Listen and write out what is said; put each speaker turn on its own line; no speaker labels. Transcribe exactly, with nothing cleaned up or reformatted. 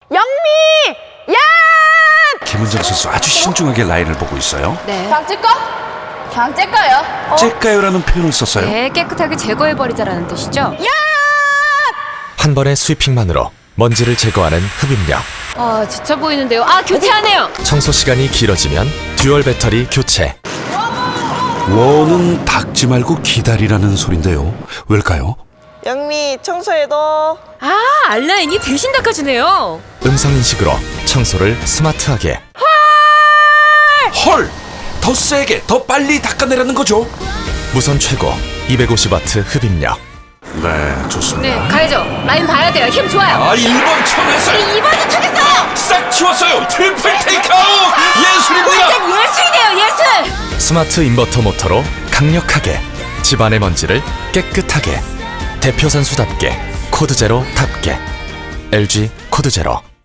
영미! 야!
김은정 선수 아주 신중하게 라인을 보고 있어요.
네.
그냥 찔까? 그냥 찔까요? 어?
째까요라는 표현을 썼어요.
네, 깨끗하게 제거해버리자라는 뜻이죠?
한 번의 스위핑만으로 먼지를 제거하는 흡입력.
아, 지쳐 보이는데요. 아, 교체하네요.
청소 시간이 길어지면 듀얼 배터리 교체.
워는 닦지 말고 기다리라는 소린데요. 왜일까요?
영미 청소해도
아, 알라인이 대신 닦아주네요.
음성 인식으로 청소를 스마트하게.
헐! 더 세게, 더 빨리 닦아내라는 거죠.
무선 최고 이백오십 와트 흡입력.
네, 좋습니다.
네, 가야죠. 라인 봐야 돼요. 힘 좋아요.
아, 일 번 쳐냈어요.
이 번도 쳐겠어요.
싹 치웠어요. 트리플 테이크아웃! 예술입니다.
완전 예술이네요, 예술.
스마트 인버터 모터로 강력하게 집안의 먼지를 깨끗하게. 대표 선수답게 코드 제로답게. 엘지 코드 제로.